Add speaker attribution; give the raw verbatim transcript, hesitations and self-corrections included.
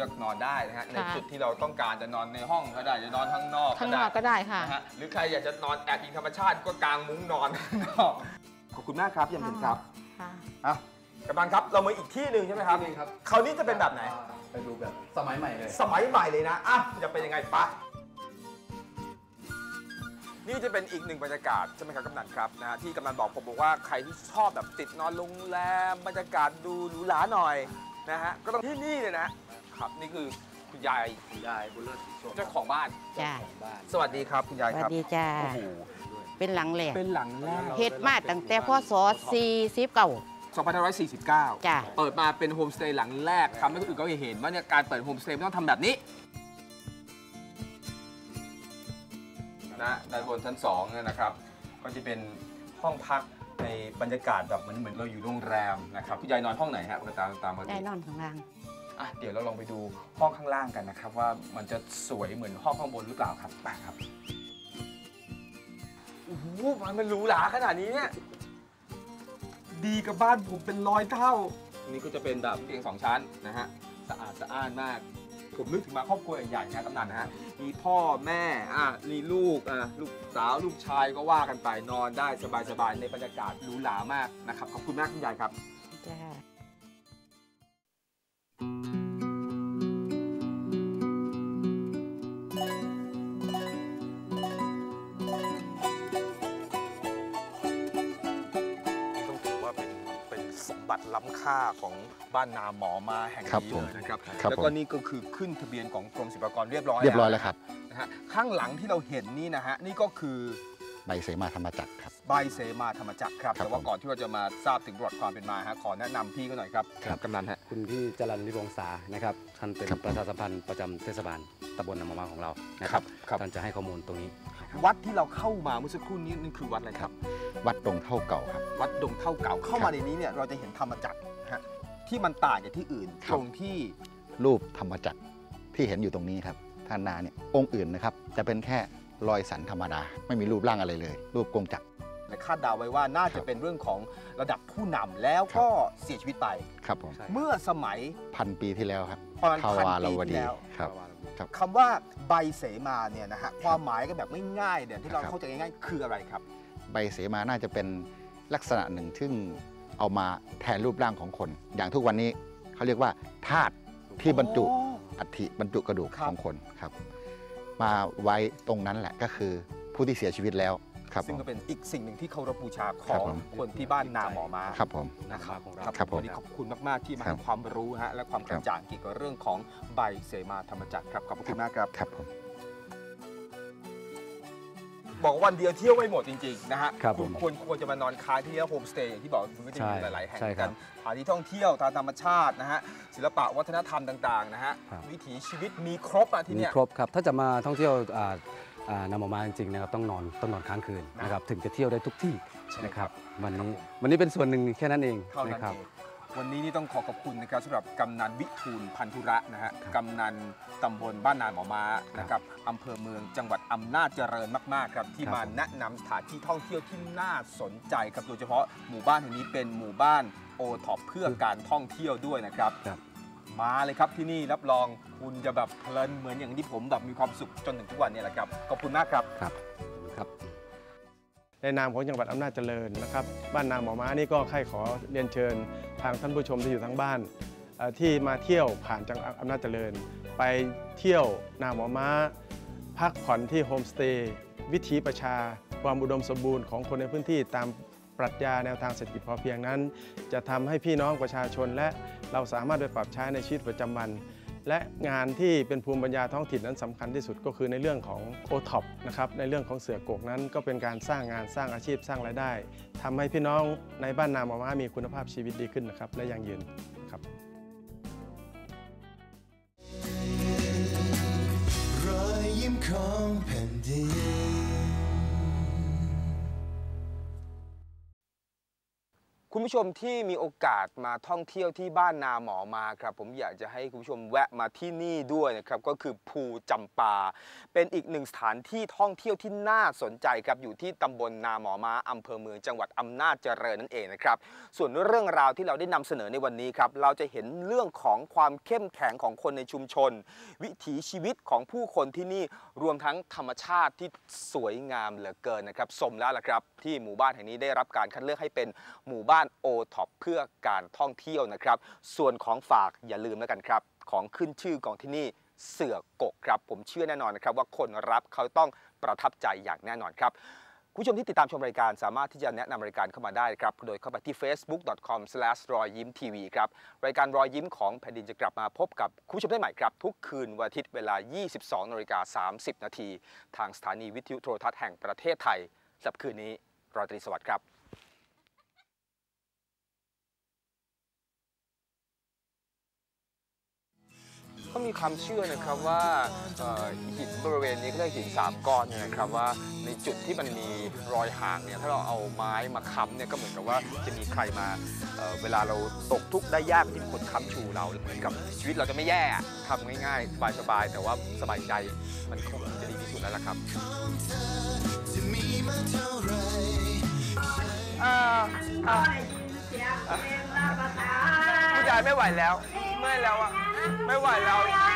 Speaker 1: ลือกนอนได้นะฮะในจุดที่เราต้องการจะนอนในห้องก็ได้จะนอนข้างนอกข้างนอก
Speaker 2: ก็ได้ค่ะ
Speaker 1: นะฮะหรือใครอยากจะนอนแอบอิงธรรมชาติก็กางมุ้งนอนข้างนอกขอบคุณมากครับยังเป็นครับอ่ะกำลังครับเรามาอีกที่หนึ่งใช่ไหมครับครับคราวนี้จะเป็นแบบไหน
Speaker 3: ไปดูแบบสมัยใหม่เลย
Speaker 1: สมัยใหม่เลยนะอ่ะจะเป็นยังไงปะนี่จะเป็นอีกหนึ่งบรรยากาศใช่ไหมครับกำนันครับนะฮะที่กำนันบอกผมบอกว่าใครที่ชอบแบบติดนอนโรงแรมบรรยากาศดูหรูหราหน่อยนะฮะก็ต้องที่นี่เลยนะครับนี่คือคุณยาย
Speaker 3: คุณยายบุญเลิศ
Speaker 1: เจ้าของบ้าน
Speaker 2: จ้า
Speaker 1: สวัสดีครับคุณยายครับ
Speaker 2: สวัสดีจ้าเป็นหลังแหลก
Speaker 1: เป็นหลังแรก
Speaker 2: เฮ็ดมาตั้งแต่พศสี่สิบเก้า
Speaker 1: สองพันห้าร้อยสี่สิบเก้า
Speaker 2: จ้า
Speaker 1: เปิดมาเป็นโฮมสเตย์หลังแรกทำให้คนอื่นก็เห็นว่าเนี่ยการเปิดโฮมสเตย์ต้องทำแบบนี้นะด้านบนชั้นสองเนี่ยนะครับก็จะเป็นห้องพักในบรรยากาศแบบเหมือนเหมือนเราอยู่โรงแรมนะครับคุณยายนอนห้องไหนฮะตามตามมา
Speaker 2: ได้นอนข้างล่าง
Speaker 1: อ่ะเดี๋ยวเราลองไปดูห้องข้างล่างกันนะครับว่ามันจะสวยเหมือนห้องข้างบนหรือเปล่าครับไปครับโอ้โหมันหรูหราขนาดนี้เนี่ยดีกับบ้านผมเป็นร้อยเท่านี่ก็จะเป็นแบบเตียงสองชั้นนะฮะสะอาดสะอ้านมากผมนึกถึงมาครอบครัวใหญ่ๆนะกำนันนะฮะมีพ่อแม่อ่ะมีลูกอ่ะลูกสาวลูกชายก็ว่ากันไปนอนได้สบายๆในบรรยากาศหรูหรามากนะครับขอบคุณมากคุณยายครับ
Speaker 2: จ้า
Speaker 1: บัตรล้ำค่าของบ้านนาหมอมาแห่งนี้เลยนะครับแล้วก็นี่ก็คือขึ้นทะเบียนของกรมศิลปากรเรียบร้อย
Speaker 4: เรียบร้อยแล้วครับ
Speaker 1: นะฮะข้างหลังที่เราเห็นนี่นะฮะนี่ก็คือ
Speaker 4: ใบเสมาธรรมจักรครับ
Speaker 1: ใบเสมาธรรมจักรครับแต่ว่าก่อนที่เราจะมาทราบถึงประวัติความเป็นมาฮะขอแนะนำพี่ก็หน่อยครับกำนันฮะ
Speaker 3: คุณพี่จรัญวิวงศานะครับท่านเป็นประชาสัมพันธ์ประจำเทศบาลตำบลนาหมอมาของเรานะครับท่านจะให้ข้อมูลตรงนี้
Speaker 1: วัดที่เราเข้ามาเมื่อสักครู่นี้นี่คือวัดอะไรครับ
Speaker 4: วัดดงเท่าเก่าครับ
Speaker 1: วัดดงเท่าเก่าเข้ามาในนี้เนี่ยเราจะเห็นธรรมจักรฮะที่มันต่างจากที่อื่นตรงที่
Speaker 4: รูปธรรมจักรที่เห็นอยู่ตรงนี้ครับท่านนาเนี่ยองค์อื่นนะครับจะเป็นแค่รอยสันธรรมดาไม่มีรูปร่างอะไรเลยรูปกงจักร
Speaker 1: และคาดเดาไว้ว่าน่าจะเป็นเรื่องของระดับผู้นำแล้วก็เสียชีวิตไป
Speaker 4: ครับผม
Speaker 1: เมื่อสมัย
Speaker 4: พันปีที่แล้วครับ
Speaker 1: ประมาณพันปี
Speaker 4: ที่แล้วครับ
Speaker 1: คำว่าใบเสมาเนี่ยนะฮะความหมายก็แบบง่ายๆเดี๋ยวที่เราเข้าใจง่ายๆคืออะไรครับ
Speaker 4: ใบเสมาน่าจะเป็นลักษณะหนึ่งซึ่งเอามาแทนรูปร่างของคนอย่างทุกวันนี้เขาเรียกว่าธาตุที่บรรจุอัฐิบรรจุกระดูกของคนครับมาไว้ตรงนั้นแหละก็คือผู้ที่เสียชีวิตแล้วครับ
Speaker 1: ซึ่งก็เป็นอีกสิ่งหนึ่งที่เคารพบูชาของคนที่บ้านนาหมอมา
Speaker 4: ครับผม
Speaker 1: นะครับครับวันนี้ขอบคุณมากๆที่มาให้ความรู้ฮะและความกระจ่างเกี่ยวกับเรื่องของใบเสมาธรรมจักรครับขอบคุณมากครับ
Speaker 4: ครับผม
Speaker 1: บอกวันเดียวเที่ยวไม่หมดจริงๆนะฮะคุณควรควรจะมานอนค้างที่โฮมสเตย์อย่างที่บอกคุณก็จะมีหลายๆแห่งกันสถานที่ท่องเที่ยวทางธรรมชาตินะฮะศิลปะวัฒนธรรมต่างๆนะฮะวิถีชีวิตมีครบอ่ะที่นี่
Speaker 3: มีครบครับถ้าจะมาท่องเที่ยวนาหมอมาจริงๆนะครับต้องนอนต้องนอนค้างคืนนะครับถึงจะเที่ยวได้ทุกที่นะครับวันนี้วันนี้เป็นส่วนหนึ่งแค่นั้นเองนะครับ
Speaker 1: วันนี้นี่ต้องขอขอบคุณนะครับสำหรับกำนันวิทูลพันธุระนะฮะกำนันตำบลบ้านนาหมอม้านะครับอำเภอเมืองจังหวัดอำนาจเจริญมากๆครับที่มาแนะนำสถานที่ท่องเที่ยวที่น่าสนใจครับโดยเฉพาะหมู่บ้านแห่งนี้เป็นหมู่บ้านโอท็อปเพื่อการท่องเที่ยวด้วยนะครับมาเลยครับที่นี่รับรองคุณจะแบบเพลินเหมือนอย่างที่ผมแบบมีความสุขจนถึงทุกวันนี้แหละครับขอบคุณมากครับ
Speaker 3: ครับครับ
Speaker 5: ในนามของจังหวัดอำนาจเจริญนะครับบ้านนาหมอม้านี่ก็ใครขอเรียนเชิญทางท่านผู้ชมที่อยู่ทั้งบ้านที่มาเที่ยวผ่านจังหวัดอำนาจเจริญไปเที่ยวนาหมอม้าพักผ่อนที่โฮมสเตย์วิถีประชาความอุดมสมบูรณ์ของคนในพื้นที่ตามปรัชญาแนวทางเศรษฐกิจพอเพียงนั้นจะทำให้พี่น้องประชาชนและเราสามารถไปปรับใช้ในชีวิตประจำวันและงานที่เป็นภูมิปัญญาท้องถิ่นนั้นสำคัญที่สุดก็คือในเรื่องของ โอ ท็อป นะครับในเรื่องของเสือกกนั้นก็เป็นการสร้างงานสร้างอาชีพสร้างรายได้ทำให้พี่น้องในบ้านนาหมอม้ามีคุณภาพชีวิตดีขึ้นนะครับและยั่งยืนครับรอยยิ้มของแผ่นดิน
Speaker 1: คุณคุณผู้ชมที่มีโอกาสมาท่องเที่ยวที่บ้านนาหมอมาครับผมอยากจะให้คุณผู้ชมแวะมาที่นี่ด้วยนะครับก็คือภูจำปาเป็นอีกหนึ่งสถานที่ท่องเที่ยวที่น่าสนใจครับอยู่ที่ตำบลนาหมอมาอำเภอเมืองจังหวัดอำนาจเจริญนั่นเองนะครับส่วนเรื่องราวที่เราได้นำเสนอในวันนี้ครับเราจะเห็นเรื่องของความเข้มแข็งของคนในชุมชนวิถีชีวิตของผู้คนที่นี่รวมทั้งธรรมชาติที่สวยงามเหลือเกินนะครับสมแล้วล่ะครับที่หมู่บ้านแห่งนี้ได้รับการคัดเลือกให้เป็นหมู่บ้านโอท็อปเพื่อการท่องเที่ยวนะครับส่วนของฝากอย่าลืมแล้วกันครับของขึ้นชื่อของที่นี่เสือกกครับผมเชื่อแน่นอนนะครับว่าคนรับเขาต้องประทับใจอย่างแน่นอนครับคุณผู้ชมที่ติดตามชมรายการสามารถที่จะแนะนำรายการเข้ามาได้ครับโดยเข้าไปที่ เฟซบุ๊ก ดอท คอม สแลช รอยยิ้มทีวีครับรายการรอยยิ้มของแผ่นดินจะกลับมาพบกับคุณผู้ชมได้ใหม่ครับทุกคืนวันอาทิตย์เวลา ยี่สิบสองนาฬิกาสามสิบนาทีทางสถานีวิทยุโทรทัศน์แห่งประเทศไทยสำหรับคืนนี้ราตรีสวัสดิ์ครับก็มีความเชื่อนะครับว่าหินบริเวณนี้ก็เรียกหินสามก้อนเนี่ยนะครับว่าในจุดที่มันมีรอยห่างเนี่ยถ้าเราเอาไม้มาค้ำเนี่ยก็เหมือนกับว่าจะมีใครมา เ, เวลาเราตกทุกข์ได้ยากที่มีคนค้ำชูเราเหมือนกับชีวิตเราจะไม่แย่ทำง่ายๆสบายๆแต่ว่าสบายใจมันคงจะดีที่สุดแล้วล่ะครับผู้ชายไม่ไหวแล้วเมื่อยแล้วอ่ะไม่ไหวแล้ว